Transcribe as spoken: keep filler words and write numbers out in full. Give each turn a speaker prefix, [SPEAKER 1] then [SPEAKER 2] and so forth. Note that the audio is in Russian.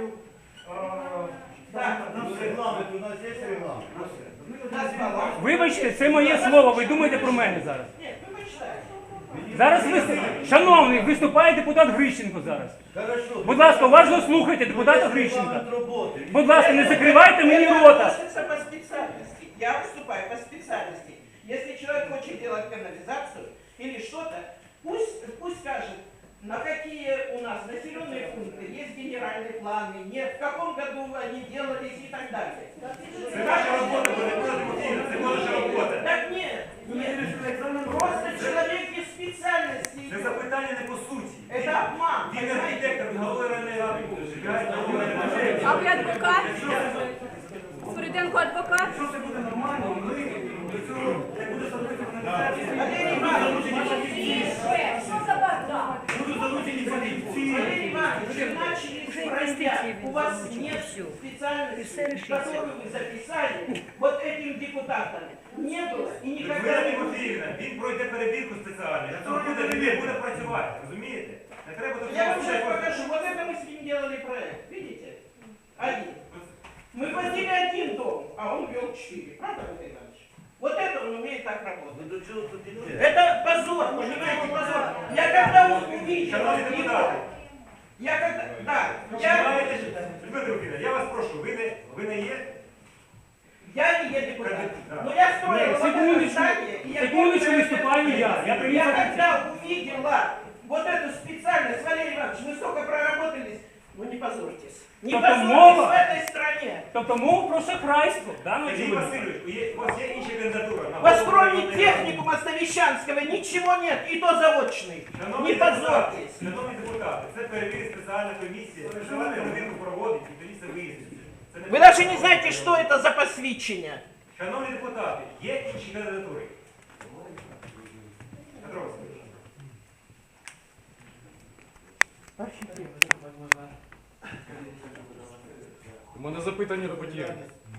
[SPEAKER 1] знаю.
[SPEAKER 2] Так, ну, регламент, у нас є регламент.
[SPEAKER 3] Вибачте, це моє слово, ви думаєте про мене зараз.
[SPEAKER 1] Ні, ви почитайте.
[SPEAKER 3] Зараз ви, шановний, виступає депутат Грищенко зараз.
[SPEAKER 2] Хорошо.
[SPEAKER 3] Будь ласка, уважно слухайте депутата
[SPEAKER 2] Є
[SPEAKER 3] Грищенка.
[SPEAKER 2] регламент роботи.
[SPEAKER 3] Будь ласка, не закривайте мені
[SPEAKER 1] Это
[SPEAKER 3] рота.
[SPEAKER 1] относится по специальности. Я выступаю по специальности. Если человек хочет делать канализацию или что-то, пусть, пусть скажет, на какие у нас населенные пункты есть генеральные планы, нет, в каком году они делались и так далее.
[SPEAKER 4] Це ваша робота, ви не будете постійно, це ваша робота.
[SPEAKER 1] Так нет, нет. Просто человек без специальности.
[SPEAKER 4] Це запитання не по суті.
[SPEAKER 1] Это обман.
[SPEAKER 4] Він архітектор, він голови районної ради буде, живе, голови районної ради.
[SPEAKER 5] А ви адвокат? Спориденко адвокат?
[SPEAKER 4] Якщо це буде нормально, ми до цього не буде становити каналізацію.
[SPEAKER 1] Валерий Иванович,
[SPEAKER 5] Що за бардак?
[SPEAKER 4] Будуть залучені фахівці.
[SPEAKER 1] Валерий Иванович, вы начали с проверять. У вас нет специальности, которую вы записали вот этим депутатам. Не было и никогда
[SPEAKER 4] Людмила
[SPEAKER 1] не будет.
[SPEAKER 4] Тимофіївна, він пройде перевірку спеціальну. На цьому буде, він не буде працювати, розумієте? Не треба до
[SPEAKER 1] Я вам
[SPEAKER 4] цього
[SPEAKER 1] сейчас
[SPEAKER 4] всього.
[SPEAKER 1] покажу. Вот это мы с ним делали проект. Видите? Один. Мы платили один дом, а он вел четыре. Правда, Валерий Иванович? Вот это он умеет так
[SPEAKER 2] Ну
[SPEAKER 1] работать.
[SPEAKER 2] до чого тут іде?
[SPEAKER 1] Это позор, понимаете, позор. Я когда вот увидел
[SPEAKER 4] Шановні
[SPEAKER 1] его,
[SPEAKER 4] депутати,
[SPEAKER 1] я когда, да,
[SPEAKER 4] ви
[SPEAKER 1] я,
[SPEAKER 4] маєте, Людмила Тимофіївна, я вас прошу, ви не, ви не є
[SPEAKER 1] я не еду депутат.
[SPEAKER 4] Да.
[SPEAKER 1] Но я строил
[SPEAKER 3] Ні,
[SPEAKER 1] вот это
[SPEAKER 3] секундочку,
[SPEAKER 1] здание, и я
[SPEAKER 3] секундочку,
[SPEAKER 1] помню,
[SPEAKER 3] выступаю
[SPEAKER 1] это-
[SPEAKER 3] я. Я принял
[SPEAKER 1] Я
[SPEAKER 3] это.
[SPEAKER 1] когда увидела вот эту специальность, Валерий Иванович, мы столько проработались, ну не позорьтесь. Не
[SPEAKER 3] Только
[SPEAKER 1] позорьтесь
[SPEAKER 3] мова.
[SPEAKER 1] в этой стране.
[SPEAKER 3] Тобто мова про шахрайство, да, ну,
[SPEAKER 4] Сергій
[SPEAKER 3] очевидно.
[SPEAKER 4] Васильович, є- у вас є інша кандидатура? на
[SPEAKER 1] У вас
[SPEAKER 4] голову
[SPEAKER 1] кроме
[SPEAKER 4] районної ради?
[SPEAKER 1] техникума Ставищанского ничего нет, и то заочный.
[SPEAKER 4] Шановні
[SPEAKER 1] Не
[SPEAKER 4] депутати,
[SPEAKER 1] позорьтесь.
[SPEAKER 4] шановні депутати, це перевірить спеціальна комісія, спеціальну перевірку проводить і тоді це виясниться. Це не
[SPEAKER 1] Вы даже не знаете, что это за посвящение.
[SPEAKER 4] Шановні депутати, є інші кандидатури? Петро Васильович.
[SPEAKER 6] У мене запитання до Потєрки.